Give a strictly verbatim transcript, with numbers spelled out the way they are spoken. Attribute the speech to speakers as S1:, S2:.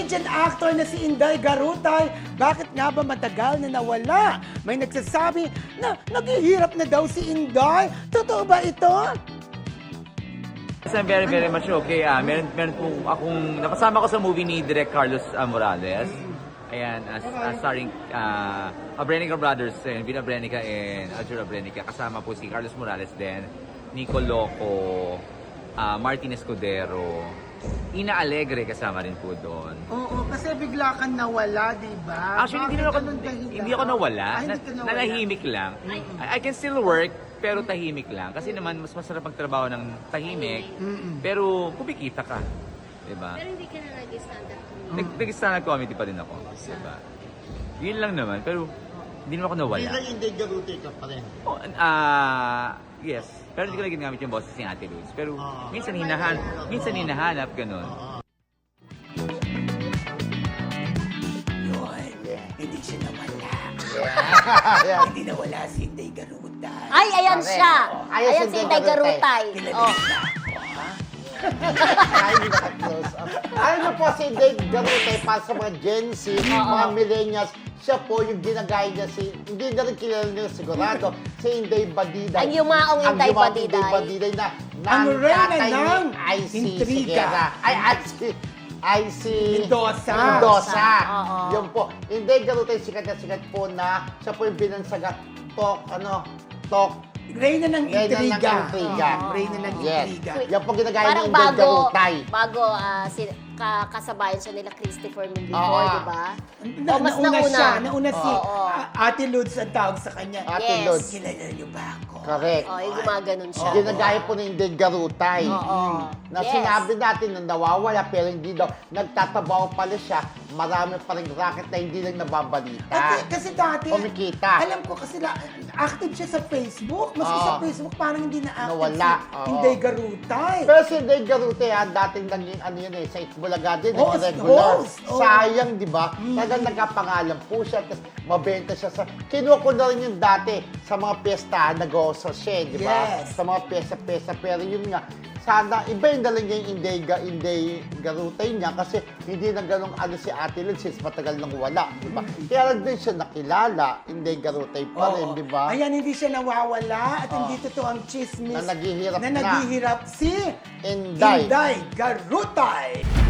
S1: Canadian actor na si Inday Garutay, bakit nga ba matagal na nawala? May nagsasabi na naghihirap na daw si Inday. Totoo ba ito?
S2: Yes, I'm very, very much okay. Ah, meron, meron po akong, napasama ko sa movie ni Direk Carlos ah, Morales. Ayan, as, as starring uh, Abrenica Brothers, and Vina Abrenica and Aljur Abrenica. Kasama po si Carlos Morales din, Nico Loco, uh, Martin Escudero, Ina Alegre kasama rin po doon.
S3: Oo, kasi bigla kang nawala, di ba?
S2: Actually, hindi, na ako, hindi ako nawala.
S3: Ah, hindi
S2: Na,
S3: ka nawala.
S2: nanahimik lang. I, I can still work, pero tahimik lang. Kasi naman, mas masarap magtrabaho ng tahimik, pero kumikita ka. Diba?
S4: Pero hindi ka na nag-stand up comedy.
S2: Nag, nag-stand up comedy pa rin ako. Diba? Yun lang naman, pero hindi naman ako nawala.
S5: Bilang hindi garuti ka pa rin.
S2: Oh, ah, yes. Pero hindi ko na ginamit yung boses ni Ate Luz. Pero
S5: Ah.
S2: minsan hinahanap, minsan hinahanap, ganun.
S1: Yun, hindi siya nawala.
S5: Yeah.
S1: Hindi nawala si Inday Garutay.
S4: Ay, ayan
S5: Correct.
S4: siya.
S5: Ayan
S4: Ayan
S5: si
S4: si Inday
S5: Garutay.
S4: Garutay. Oh.
S5: Ay, hindi naka-close up. Alam mo po si Dave Garutay para sa mga Gen Z, mga millennials, siya po yung ginagaya niya si, hindi na rin kilala nila sigurado, si Inday Badiday.
S4: Ang yumaong Inday
S5: Ang yumaong
S4: Badiday.
S5: Inday Badiday na
S1: Ang reyna
S5: tatay ni
S1: ng
S5: I C
S1: intriga.
S5: Sigera. Ay, I C I C
S1: Mendoza.
S5: Mendoza.
S4: Oo.
S5: Yun po. Inday Garutay, sikat na sikat po na siya po yung binansaga talk, ano, talk,
S1: Reyna ng
S5: Reyna ng
S1: intriga.
S5: intriga.
S1: Oo. Reyna ng
S5: Yes.
S1: intriga.
S5: Yan po ginagaya ni
S4: Parang
S5: Inday
S4: bago,
S5: Garutay.
S4: bago ah, si, ka, kasabayan siya nila Christopher Min before,
S5: Oo.
S4: di ba?
S1: Na,
S4: O, mas
S1: nauna,
S4: nauna.
S1: siya, nauna si
S4: Oo.
S1: A- Ate Luz ang tawag sa kanya.
S5: Ate
S4: Yes.
S5: Luz.
S1: Kilala niyo ba ako?
S5: Correct.
S4: Oh, yung gumaganon siya.
S5: Ginagaya po ni Inday Garutay.
S4: Oo.
S5: Na
S4: Yes.
S5: sinabi natin na nawawala pero hindi daw. Nagtatabaho pala siya. Marami pa rin racket na hindi lang nababalita.
S1: Kasi, kasi dati,
S5: Kumikita.
S1: alam ko kasi la, active siya sa Facebook. Mas
S5: Oo.
S1: sa Facebook parang hindi na active
S5: Nawala,
S1: si
S5: oo.
S1: Inday Garutay.
S5: Pero si Inday Garutay, ha, dating naging ano yun eh, sa Itbulaga din,
S1: Host,
S5: naging regular.
S1: host, oo.
S5: Sayang, di ba? Talagang nagkapangalan po siya, tapos mabenta siya sa... Kinuha ko na rin yung dati sa mga piyesta, nag-host siya, di ba?
S1: Yes.
S5: Sa mga piyesta-piyesta, pero yun nga, sana, iba yung dalang niya yung Inday, Ga- Inday Garutay niya kasi hindi na ganong ano si Ate Lynn since matagal nang wala, di ba? Kaya lang din siya nakilala, Inday Garutay pa rin,
S1: Oo.
S5: di ba?
S1: Ayan, hindi siya nawawala at hindi totoo ang chismis
S5: Na naghihirap
S1: na
S5: na.
S1: naghihirap si
S5: Inday.
S1: Inday Garutay.